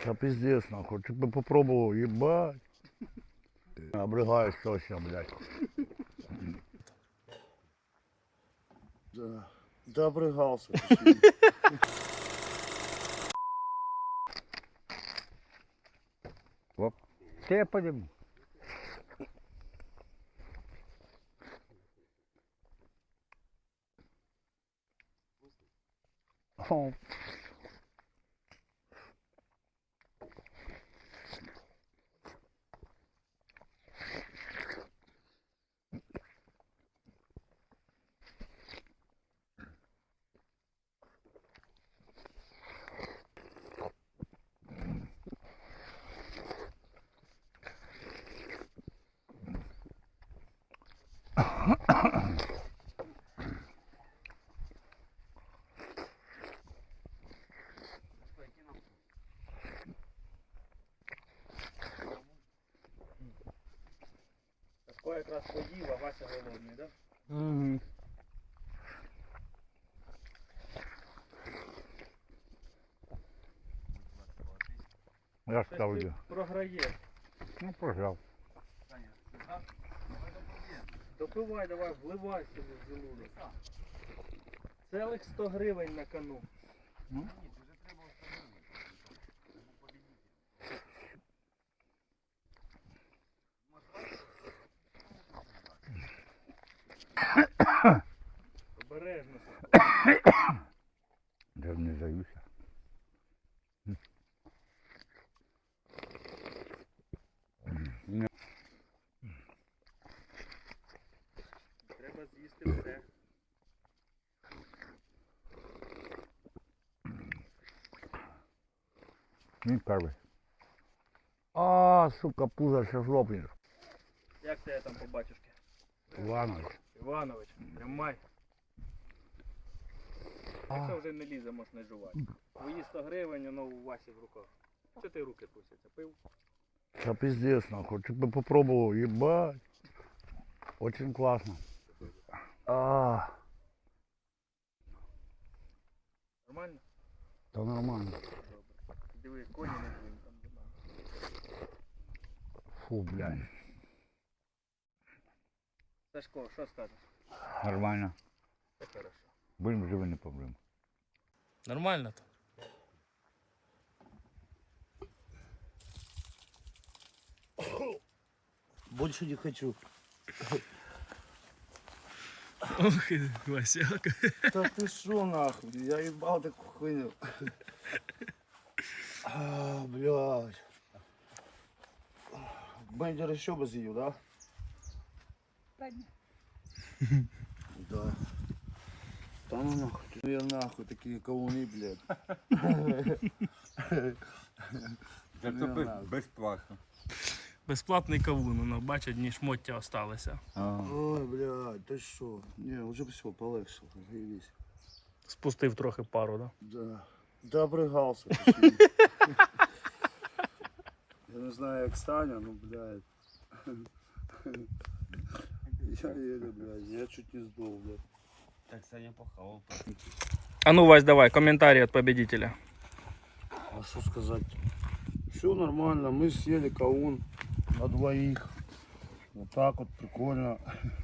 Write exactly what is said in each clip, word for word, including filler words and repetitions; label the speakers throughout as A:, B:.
A: Да пиздец, нахуй. Ты бы попробовал, ебать. Обрыгаешь точно, блядь.
B: Да. Да обрыгался.
A: Оп. Ты я подниму. О.
C: Сашко якраз поїв, а Вася голодний, так?
A: Угу. Я
C: Щось
A: ставлю.
C: ти програєш.
A: Ну, пожалуй.
C: Допивай, давай, вливай собі в желудок. Целих сто гривень на кону.
A: Ну?
C: Обережно.
A: Я не заюся.
C: Треба з'їсти все.
A: Не первый. А, сука, пузо ще жлобнеш.
C: Як тебе там по батюшки?
A: Иванович.
C: Іванович, тримай. Якщо вже не лізе, можеш не жувати. Твої сто гривень, воно у Васі в руках. Що ти руки трусяться? Пив?
A: Да пиздец, нахуй. Ты бы попробовал, ебать. Очень классно. А,
C: Нормально?
A: да нормально.
C: Добре. Диви, коні не двинь там до мене.
A: Фу, блядь.
C: Сашко, що скажеш?
A: Нормально.
C: Це хорошо.
A: Будем живы, не проблем.
C: Нормально то?
B: Больше не хочу.
C: Ох, Васяка.
B: Да ты шо нахуй? Я ебал такую хуйню. А, блядь. Бендер еще бы съел, да? Да. Да ну нахуй. Ну я нахуй такие кавуны, блядь.
D: Зато безплатно.
C: Безплатний кавун, воно, бачить, одні шмоття осталися.
B: Ой, блядь, ты шо? Не, уже все, полегшил, заебись.
C: Спустив трохи пару, да?
B: Да. Да обрыгался. Я не знаю, як Саня, ну, блядь. Я еле, блядь, я чуть не сдох, блядь.
D: Так Саня похавал.
C: А ну, Вась, давай, комментарий от победителя.
B: А что сказать? Все нормально, мы съели каун на двоих. Вот так вот, прикольно.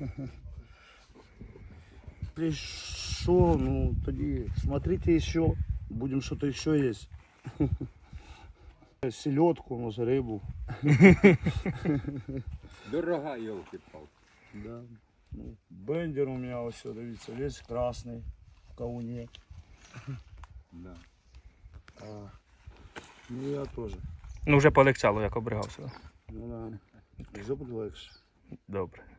B: Пришел, ну, тоді смотрите еще, будем что-то еще есть. Селедку, может, рыбу.
D: Дорога, елки-палки.
B: Да. Ну, бендер у меня все, дивіться, весь красный в кауне.
D: Да.
B: А, ну я тоже.
C: Ну, вже полегчало, як обригався.
B: Ну да. Вже буде легше.
C: Добре.